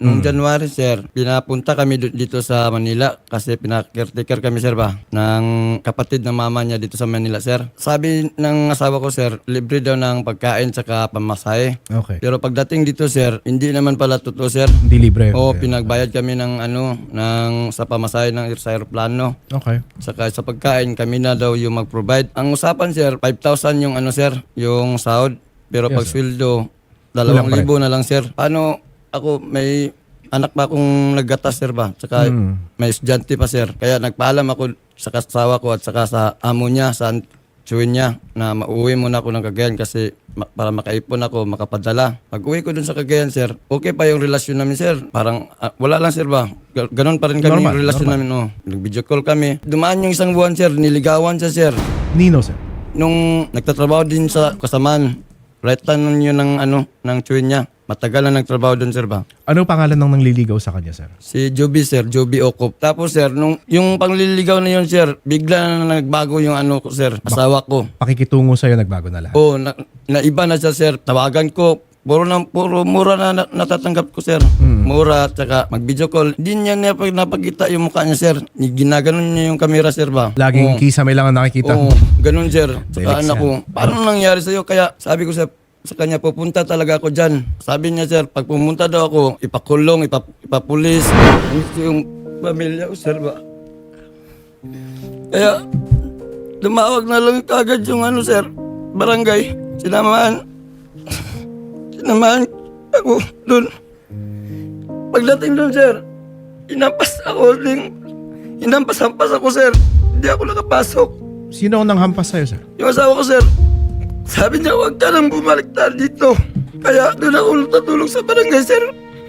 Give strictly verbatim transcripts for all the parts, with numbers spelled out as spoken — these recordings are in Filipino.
Noong January, sir, pinapunta kami du- dito sa Manila kasi pinakaretaker kami, sir, ba, ng kapatid ng mama niya dito sa Manila, sir. Sabi ng asawa ko, sir, libre daw ng pagkain saka pamasahe. Okay. Pero pagdating dito, sir, hindi naman pala totoo, sir. Hindi libre. O, Okay. pinagbayad kami ng ano, ng sa pamasahe ng sa aeroplano. Okay. Saka sa pagkain, kami na daw yung mag-provide. Ang usapan, sir, five thousand yung ano, sir, yung sahod. Pero Yes, pag sir. sweldo, Kulang dalawang pa rin. libo na lang, sir. Paano ako, may anak pa akong naggatas, sir, ba? Saka Hmm. may estudyante pa, sir. Kaya nagpaalam ako sa kasawa ko at saka sa amo niya, sa tsuwin niya, na mauwi muna ako ng Cagayan kasi ma- para makaipon ako, makapadala. Pag uwi ko dun sa Cagayan, sir, okay pa yung relasyon namin, sir. Parang ah, wala lang, sir, ba? Ga- Ganon pa rin kami Normal, yung relasyon normal. namin. Oh. Nag-video call kami. Dumaan yung isang buwan, sir. Niligawan siya, sir. Nino, sir. Nung nagtatrabaho din sa kasamaan, right hand yun ng, ano, ng tsuwin niya. Matagal na nagtrabaho dun, sir, ba? Ano pangalan ng nangliligaw sa kanya, sir? Si Joby, sir. Joby Okop. Tapos, sir, nung yung pangliligaw na yun, sir, bigla na nagbago yung ano ko, sir, asawa ko. Pakikitungo sa'yo, nagbago na lahat. Oo, na, naiba na siya, sir. Tawagan ko. Puro, na, puro mura na, na natatanggap ko, sir. Mura, tsaka mag-video call. Hindi niya napag, napagkita yung mukha niya, sir. Ginaganon niya yung camera, sir, ba? Laging Oo. kisame lang ang nakikita. Oo, ganun, sir. Saka Felix anak yan. ko, paano nangyari sa'yo? Kaya sabi ko, sir, sa kanya, pupunta talaga ako dyan. Sabi niya, sir, pag pumunta daw ako, ipakulong, ipap, ipapulis. Gusto yung pamilya ko, sir, ba? Kaya, lumawag na lang kagad yung ano, sir, barangay. Sinamahan. Sinamahan ako doon. Pagdating doon, sir, inampas ako ding, inampas-ampas ako, sir. Hindi ako nakapasok. Sino ang nanghampas sa'yo, sir? Yung asawa ko, sir, sabi niya, huwag ka nang bumaliktad dito. Kaya doon ako natutulog sa barangay, sir.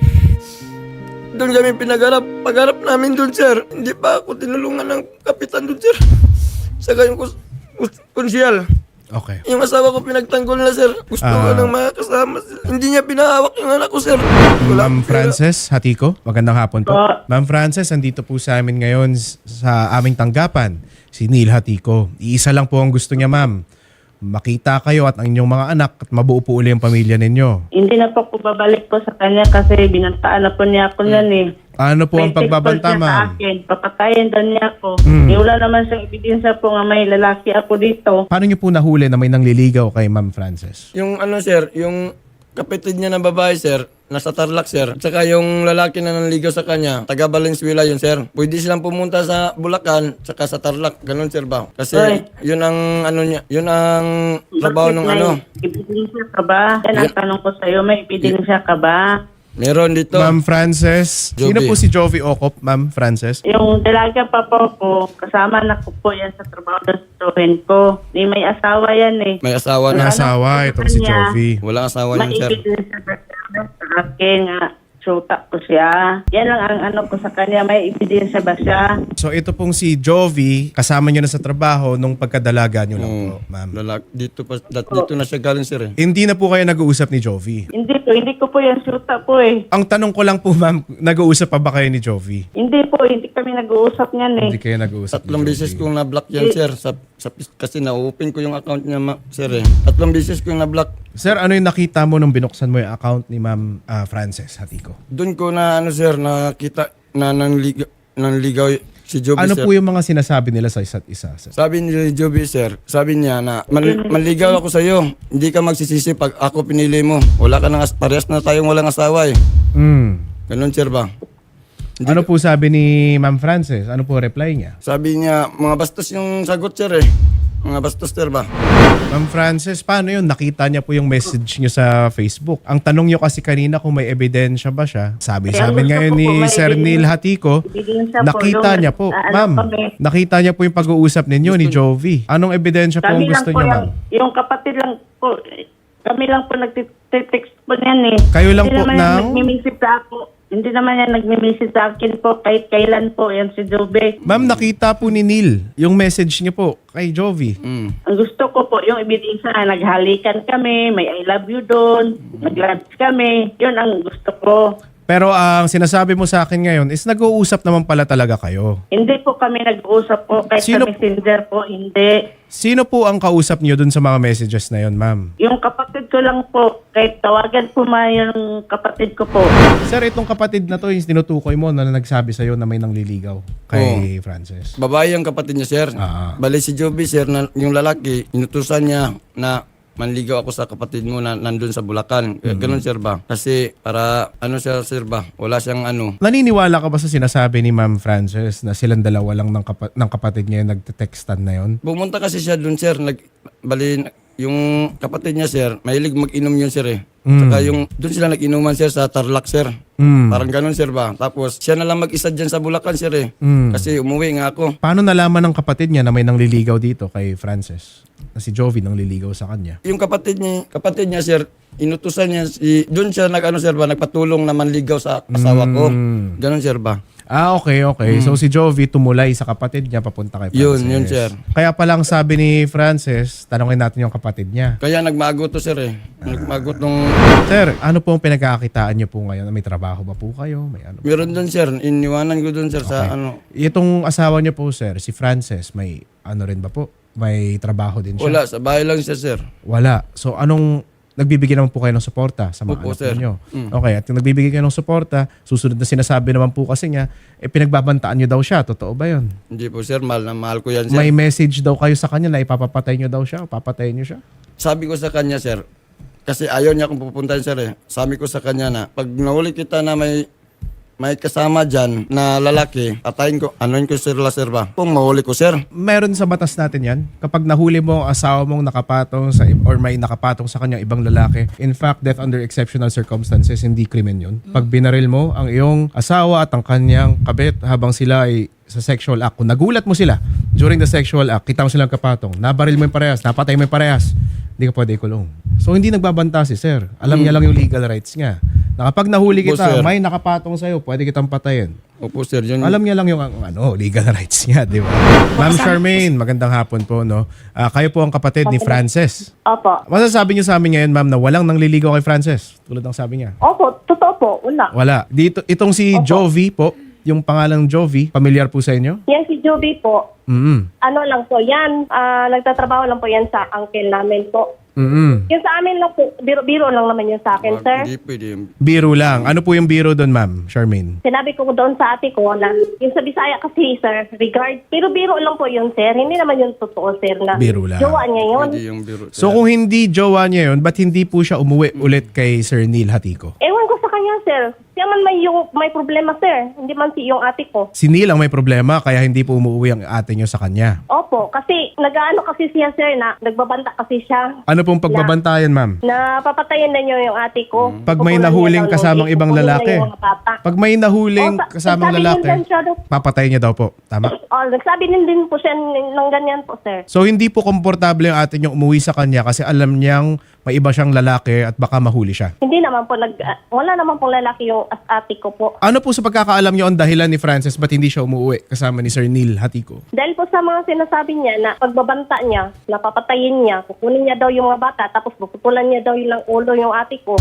Doon kami pinagharap. Pagharap namin doon, sir, hindi pa ako tinulungan ng kapitan doon, sir. Saka yung kus- kus- konsyal. Okay. Yung asawa ko pinagtanggol na, sir. Gusto ko Ah. ng mga kasama, sir. Hindi niya pinahawak yung anak ko, sir. Wala Ma'am akong pera. Frances Hatiko, magandang hapon po. Ma'am Frances, andito po sa amin ngayon s- sa aming tanggapan, si Neil Hatiko. Iisa lang po ang gusto niya, ma'am. Makita kayo at ang inyong mga anak at mabuo po uli ang pamilya ninyo. Hindi na po ako babalik po sa kanya kasi binantaan na po niya ako niyan eh. Ano po ang May pagbabanta, text call siya sa ma'am? akin. Papatayin daw niya ako. Hmm. Eh, wala naman siyang ebidensya po nga may lalaki ako dito. Paano niyo po nahuli na may nangliligaw kay Ma'am Frances? Yung ano, sir, yung kapatid niya na babae, sir, nasa Tarlac, sir. At saka yung lalaki na nanligaw sa kanya, taga Valenzuela yun, sir. Pwede silang pumunta sa Bulacan, saka sa Tarlac. Ganun, sir, ba? Kasi Oy. yun ang ano niya, yun ang trabaho Bakit ng may ano. ebidensya ka ba? Yan ang tanong ko sa'yo, may ebidensya ka ba? Meron dito. Ma'am Frances, sino Joby. po si Jovi Okop, Ma'am Frances? Yung dalaga pa po ko, kasama na ko po yan sa trabaho ng tutuhin ko. Ni may asawa yan eh. May asawa Ang na. asawa, itong si Jovi. Walang asawa yun, May sir. ebidensya ba siya sa akin nga? Suta ko siya. Yan lang ang ano ko sa kanya. May ebidensya ba siya? So ito pong si Jovi, kasama niyo na sa trabaho nung pagkadalaga niyo lang po, ma'am. Lalaki, dito, pa, dat, dito na siya galing, sir, eh. Hindi na po kayo nag-uusap ni Jovi. Hindi po. Hindi ko po yan suta po eh. Ang tanong ko lang po, ma'am, nag-uusap pa ba kayo ni Jovi? Hindi po. Hindi kami nag-uusap niyan eh. Hindi kayo nag-uusap Tatlong ni beses Jovi. kong na-block yan, sir. Sa, sa, kasi na-open ko yung account niya, ma, sir, eh. Tatlong beses kong na-block. Sir, ano yung nakita mo nung binuksan mo yung account ni Ma'am ah, Frances Hatiko? Doon ko na, ano, sir, nakita na nanligaw, nanligaw si Joby, Ano sir. po yung mga sinasabi nila sa isa't isa, sir? Sabi ni Joby, sir, sabi niya na man, manligaw ako sa iyo. Hindi ka magsisisi pag ako pinili mo. Wala ka nang as- parehas na tayong walang asawa eh. Mm. Ganun, sir, ba? Ano po sabi ni Ma'am Frances? Ano po reply niya? Sabi niya, mga bastos yung sagot, sir, eh. Mga bastos, sir, ba? Ma'am Frances, paano yun? Nakita niya po yung message niyo sa Facebook. Ang tanong niyo kasi kanina kung may ebidensya ba siya. Sabi sa Kaya amin gusto ngayon ko ni po may Sir ebidensya. Neil Hatiko, Ebidensya po, nakita yung- niya po. ah, ano Ma'am, kami. nakita niya po yung pag-uusap ninyo ni Jovi. Anong ebidensya po ang Kami gusto lang po niyo, yung, ma'am? yung kapatid lang po. eh, Kami lang po nagtitext po niyan eh. Kayo lang Hindi po naman ng- yan nagmi-message sa ako. Hindi naman yan nagmi-message sa akin po kahit kailan po yan si Jobe. Ma'am, nakita po ni Neil yung message niyo po kay Jovi. Mm. Ang gusto ko po, yung ebidensya na naghalikan kami, may I love you doon, nag-lunch kami. Yun ang gusto ko. Pero ang sinasabi mo sa akin ngayon is nag-uusap naman pala talaga kayo. Hindi po kami nag-uusap po kahit Sino- sa messenger po, hindi. Sino po ang kausap niyo dun sa mga messages na yon, ma'am? Yung kapatid ko lang po, kahit tawagan po ma yung kapatid ko po. Sir, itong kapatid na to, yung tinutukoy mo na nagsabi sa'yo na may nangliligaw kay Frances. Babae ang kapatid niya, sir. Ah. Bali si Joby, sir, na, yung lalaki, inutusan niya na manligaw ako sa kapatid mo na nandun sa Bulacan. Mm-hmm. Ganun, sir ba? Kasi para, ano siya, sir ba? Wala siyang ano. Naniniwala ka ba sa sinasabi ni Ma'am Frances na silang dalawa lang ng, kapa- ng kapatid niya yung nagte-textan na yon? Pumunta kasi siya dun, sir. Nag, bali, yung kapatid niya, sir, mahilig mag-inom yun, sir, eh. Saka yung, dun sila nag-inuman, sir, sa Tarlac, sir. Mm. Parang ganun, sir ba? Tapos, siya na lang mag-isa dyan sa Bulacan, sir, eh. Mm. Kasi umuwi nga ako. Paano nalaman ng kapatid niya na may nangliligaw dito kay Frances? Na si Jovi nangliligaw sa kanya? Yung kapatid niya, kapatid niya, sir, inutusan niya, si, dun siya nag, ano, sir ba, nagpatulong na manligaw sa asawa ko. Mm. Ganun, sir ba? Ah, okay, okay. So si Jovi tumulay sa kapatid niya papunta kay Frances. Yun, yun, sir. Kaya palang sabi ni Frances, tanongin natin yung kapatid niya. Kaya nagmago to, sir, eh. Nagmago nung... Sir, ano po ang pinagkakakitaan niyo po ngayon? May trabaho ba po kayo? May ano? Meron dun, sir. Iniwanan ko dun, sir, sa ano. Itong asawa niyo po, sir, si Frances, may ano rin ba po? May trabaho din siya? Wala, sa bahay lang siya, sir. Wala. So anong nagbibigay naman po kayo ng suporta sa mga Opo, anak sir. ninyo? Mm. Okay, at yung nagbibigay kayo ng suporta, susunod na sinasabi naman po kasi niya, eh pinagbabantaan niyo daw siya. Totoo ba yun? Hindi po, sir. Mahal na mahal ko yan, sir. May message daw kayo sa kanya na ipapapatay niyo daw siya o papatayin niyo siya? Sabi ko sa kanya, sir, kasi ayaw niya akong pupuntahin, sir, eh. Sabi ko sa kanya na, pag nahuli kita na may may kasama dyan na lalaki, atayin ko, anoin ko, sir, la, sir ba? Kung mahuli ko, sir. Meron sa batas natin yan. Kapag nahuli mo ang asawa mong nakapatong sa, or may nakapatong sa kanyang ibang lalaki, in fact, death under exceptional circumstances, hindi krimen yun. Pag binaril mo ang iyong asawa at ang kanyang kabit habang sila ay sa sexual act, kung nagulat mo sila during the sexual act, kita mo silang kapatong, nabaril mo yung parehas, napatay mo yung parehas, hindi ka pwede ikulong. So hindi nagbabanta si sir. Alam niya lang yung legal rights niya. Na kapag nahuli Opo, kita, sir. may nakapatong sa'yo, pwede kitang patayin. Opo, sir. Yun, Alam niya lang yung ang- ano, legal rights niya, di ba? Ma'am Charmaine, magandang hapon po, no? Ah, kayo po ang kapatid ni Frances. Opo. Masasabi niyo sa amin ngayon, ma'am, na walang nangliligaw kay Frances? Tulad ng sabi niya. Opo, totoo po. Wala. Wala. Dito, itong si Jovi po, yung pangalang Jovi, familiar po sa inyo? Yan si Joby po. Mm-mm. Ano lang po yan, ah, nagtatrabaho lang po yan sa uncle namin po. Mm-mm. Yung sa amin lang po, biro-biro lang naman yun sa akin, sir. Hindi pwede. Biro lang. Ano po yung biro doon, ma'am, Charmaine? Sinabi ko doon sa ate ko na yung sa Bisaya kasi, sir, regard, biro-biro lang po yun, sir. Hindi naman yun totoo, sir, na Biro lang. jowa niya yun. Hindi yung biro, sir. So kung hindi jowa niya yun, ba't hindi po siya umuwi ulit kay Sir Neil Hatiko? Ewan ko sa kanya, sir. Siya man may, yung, may problema, sir. Hindi man si yung ate ko. Si Neil ang may problema, kaya hindi po umuwi ang ate niyo sa kanya. Opo, kasi nag-ano kasi siya, sir, na nagbabanta kasi siya. Ano pong pagbabantayan, ma'am? Na papatayin na niyo yung ate ko. Pag may Kukunan nahuling niya daw ng- kasamang ibang kukunin na lalaki. yung mga bata. Pag may nahuling Oh, sa- kasamang nagsabi din lalaki, dyan siya daw. papatay niya daw po. Tama? Oh, nagsabi din din po siya ng ng ganyan po, sir. So hindi po komportable yung ate niyo umuwi sa kanya kasi alam niyang may iba siyang lalaki at baka mahuli siya. Hindi naman po, nag, ah, wala naman pong lalaki yung as ate ko po. Ano po sa pagkakaalam niyo ang dahilan ni Frances ba't hindi siya umuwi kasama ni Sir Neil Hatiko? Dahil po sa mga sinasabi niya na pagbabanta niya, napapatayin niya, kukunin niya daw yung mga bata, tapos puputulan niya daw yung ulo yung ate ko.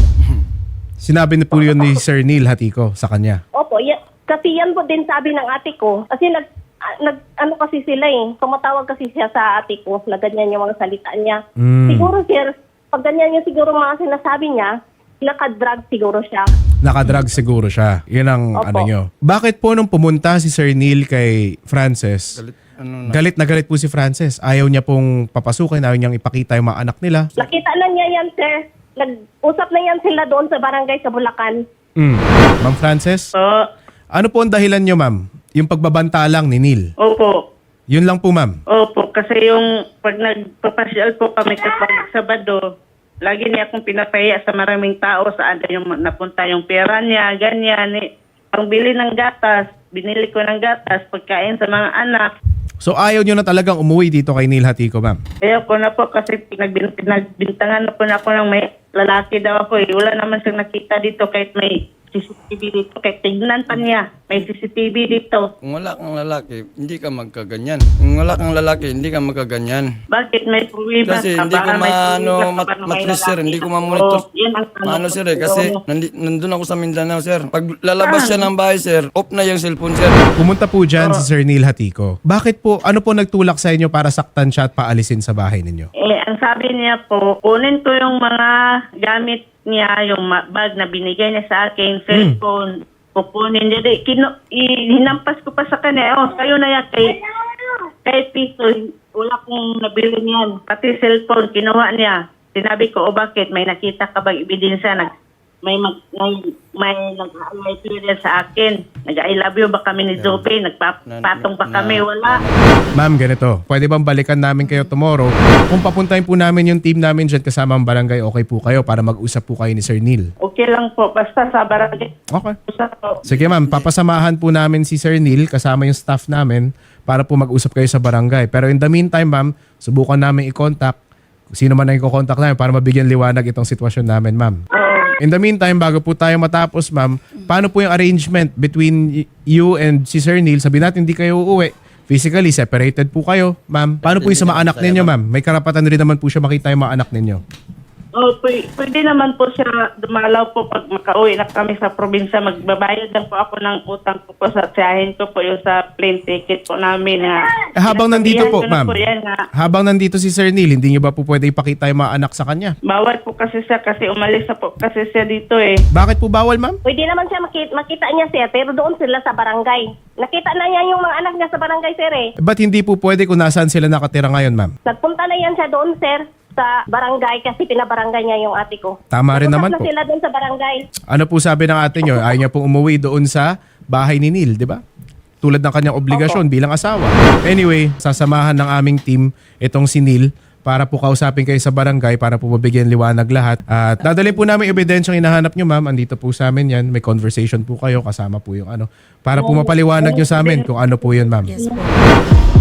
Sinabi na po yun ni Sir Neil Hatiko sa kanya. Opo, ya, kasi yan po din sabi ng ate ko. Kasi nag, ah, nag ano kasi sila eh, tumatawag kasi siya sa ate ko na ganyan yung mga salita niya. Mm. Siguro sir, pag ganyan yung siguro mga sinasabi niya, naka-drug siguro siya. Nakadrug siguro siya. Yun ang Opo. ano nyo. Bakit po nung pumunta si Sir Neil kay Frances, Galit, ano na. galit na galit po si Frances. Ayaw niya pong papasukin, ayaw niyang ipakita yung mga anak nila. Nakita na niya yan sir. Nag-usap na yan sila doon sa barangay sa Bulacan. Mm. Ma'am Frances, Oo. ano po ang dahilan nyo, ma'am? Yung pagbabanta lang ni Neil. Opo. Yun lang po, ma'am. Opo, kasi yung pag nagpapasyal po kami kapag Sabado, lagi niya akong pinapahiya sa maraming tao saan yung napunta yung pera niya, ganyan. Eh. Ang bili ng gatas, binili ko ng gatas, pagkain sa mga anak. So ayaw nyo na talagang umuwi dito kay Neil Hatiko, ma'am? Ayaw ko na po kasi pinagbin- pinagbintangan na po na ako ng may lalaki daw ako eh. Wala naman siyang nakita dito kahit may C C T V dito. Kahit tignan pa niya. May C C T V dito. Kung wala kang lalaki, hindi ka magkaganyan. Kung wala kang lalaki, hindi ka magkaganyan. Bakit may problema Kasi ka? hindi ko Baka may maano, problema ka mat, ba na may matris sir, lalaki? hindi ko mamonitor. Oo, yan ang tanong Ano ko sir eh, sa'yo. kasi nandi, nandun ako sa Mindanao sir. Pag lalabas siya ng bahay sir, off na yung cellphone sir. Pumunta po dyan si Sir Neil Hatico. Bakit po, ano po nagtulak sa inyo para saktan siya at paalisin sa bahay ninyo? Eh, ang sabi niya po, kunin ko yung mga gamit niya, yung ma- bag na binigay niya sa akin, cellphone, kukunin niya. Di, kino, i- hinampas ko pa sa kanya, oh, kayo na yan, kay, kay piso, wala kong nabili niyan. Pati cellphone, kinuha niya. Sinabi ko, oh, bakit? May nakita ka bang ebidensya? Nag, may mag, may, may nag-I love you din sa akin. Nag-I love you ba kami ni Zoe? Nagpatong ba Na- kami? Wala. Ma'am, ganito. Pwede bang balikan namin kayo tomorrow? Kung papuntahin po namin yung team namin dyan kasama ang barangay, okay po kayo para mag-usap po kayo ni Sir Neil. Okay lang po. Basta sa barangay. Okay. Usap po. Sige ma'am, papasamahan po namin si Sir Neil kasama yung staff namin para po mag-usap kayo sa barangay. Pero in the meantime ma'am, subukan namin i-contact kung sino man ang i-contact namin para mabigyan liwanag itong sitwasyon namin ma'am. In the meantime, bago po tayo matapos ma'am, paano po yung arrangement between y- you and si Sir Neil? Sabihin natin hindi kayo uuwi. Physically, separated po kayo, ma'am. Paano po yung sa mga anak ninyo, ma'am? May karapatan rin naman po siya makita yung mga anak ninyo. Oh, pwede, pwede naman po siya dumalaw po pag makauwi na kami sa probinsya. Magbabayad lang po ako ng utang ko po sa tiyahin ko po yung sa plane ticket po namin. Ha. Eh, habang nandito po, Sinasabihan ko na ma'am. po yan, ha. Habang nandito si Sir Neil, hindi niyo ba po pwede ipakita yung mga anak sa kanya? Bawal po kasi siya kasi umalis na po kasi siya dito eh. Bakit po bawal, ma'am? Pwede naman siya makita, makita niya sir, pero doon sila sa barangay. Nakita na niya yung mga anak niya sa barangay sir eh. Ba't hindi po pwede kung nasaan sila nakatira ngayon, ma'am? Nagpunta na yan siya doon sir sa barangay kasi pinabarangay niya yung ate ko. Tama rin naman Nagpunta na po. sila doon sa barangay. Ano po sabi ng ate niyo? Ayaw niya pong umuwi doon sa bahay ni Neil, di ba? Tulad ng kanyang obligasyon bilang asawa. Anyway, sasamahan ng aming team itong si Neil para po kausapin kayo sa barangay para po mabigyan liwanag lahat. At dadalhin po namin ebidensyang hinahanap nyo, ma'am. Andito po sa amin yan. May conversation po kayo. Kasama po yung ano. Para po mapaliwanag nyo sa amin kung ano po yun, ma'am. Yes po.